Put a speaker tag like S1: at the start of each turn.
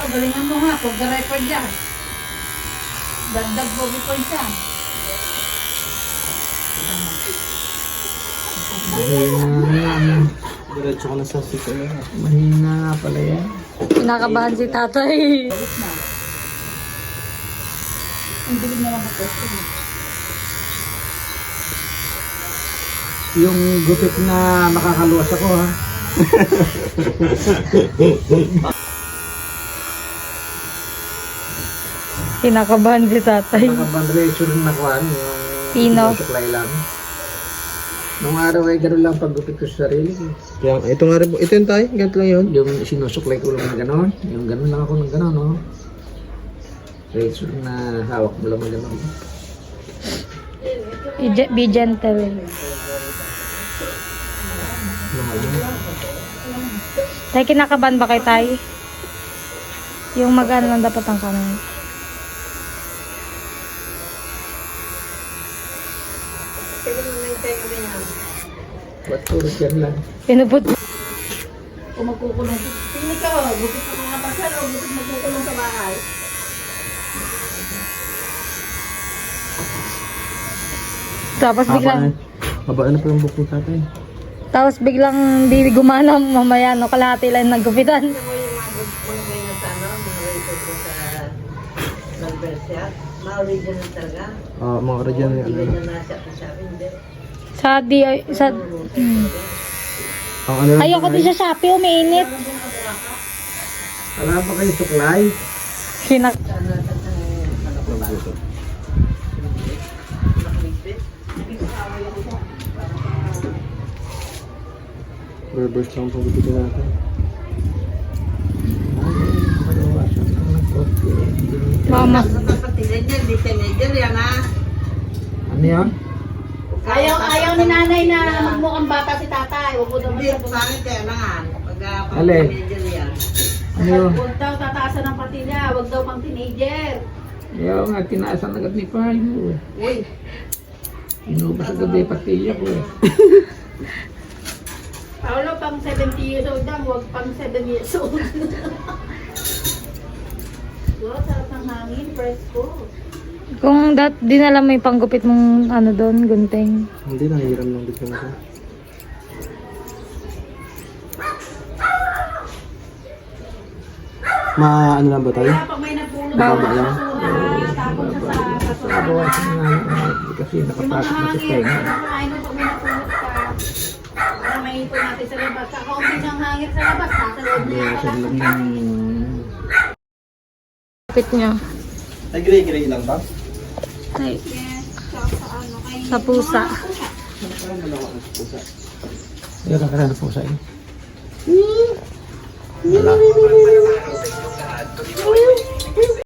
S1: galingan mo nga. Pag record dyan. Dagdag bobby points yan.
S2: Mahina.
S3: Diretso ko na sa sito na.
S2: Mahina nga pala yan.
S4: Kinakabahan si tatay.
S1: Balik na. Ang dilim naman ako.
S2: Yung gupit na makakaluwas ako ha.
S4: Kinakabahan si tatay.
S2: Nakabandration na kuhan.
S4: Pino.
S2: Yung suklay lang. Nung araw ay gano'n lang paggupit ko sa sarili ko.
S3: Yan, ito nga rin po. Ito yung tayo. Ganito lang yun.
S2: Yung sinusuklay ko lang ng gano'n. Yung gano'n lang ako ng gano'n, no? Razor na hawak mo lang ng gano'n.
S4: Be gentle. Tay, kinakabahan ba kay tay? Yung mag-ano lang dapat ang kamay.
S2: Ba't puro dyan lang?
S4: Pinuput.
S1: Kung magkukulong. Tingin ka, gupit ka mga pasal o gupit magkukulong sa bahay.
S4: Tapos biglang,
S3: Mabaan na po yung bukong tatay.
S4: tapos biglang di gumana mamaya, no? Kalahati lang naggupitan.
S1: Mo yung mga gupit ganyan sa ano, mga record ko sa nag-bersyat. Mga original talaga.
S3: Mga original yung
S1: Hindi
S3: ano.
S1: na nasa ko sa akin.
S4: Sa di, sa,
S3: Ang ano lang
S4: ayoko din sa Shopee, umiinit.
S2: Wala pa kayo suklay?
S4: Kinak,
S3: reverse lang po dito natin.
S4: mama.
S1: Teenager, di teenager yan ha.
S2: Ano yan?
S1: Ayaw ni nanay na magmukhang bata si tatay. Huwag mo daw
S5: Hindi, pangit kaya nangan. Pag
S2: Alin?
S5: teenager yan.
S2: Ano yun?
S1: Huwag daw tataasan ng pati niya. Huwag daw pang teenager.
S2: Ayaw nga, tinaasan agad ni Payo.
S5: Uy,
S2: Inubas agad ni Patiya ko eh.
S1: Paolo, pang 70 years old lang. Huwag pang 7 years old. Wow, sarap ng hangin. Presko.
S4: Kung dinala mo yung panggupit mong ano doon, gunting.
S3: Hindi, nahihiram lang dito na ito. Ano lang ba tayo?
S1: Kaya pag may nagpulot
S3: Baba
S1: sa
S3: lang.
S1: basura, tapon siya sa basura.
S2: Nabawasan na nga yung kasi
S1: Yung mga
S2: nakapasok na sa
S1: hangin,
S2: tenga.
S1: kumain mo pag may napulot ka. Para maipon natin sa labas. Sa kaunti siyang hangin sa labas, nasa loob niya
S2: Nabawasan
S1: pala.
S2: lang yung...
S4: Gupit niya.
S3: Ay, gray-gray lang ba?
S4: Ay,
S1: Yes, tsaka sa ano, kay
S4: sa pusa.
S2: Yan ang karana po sa inyo. Wala.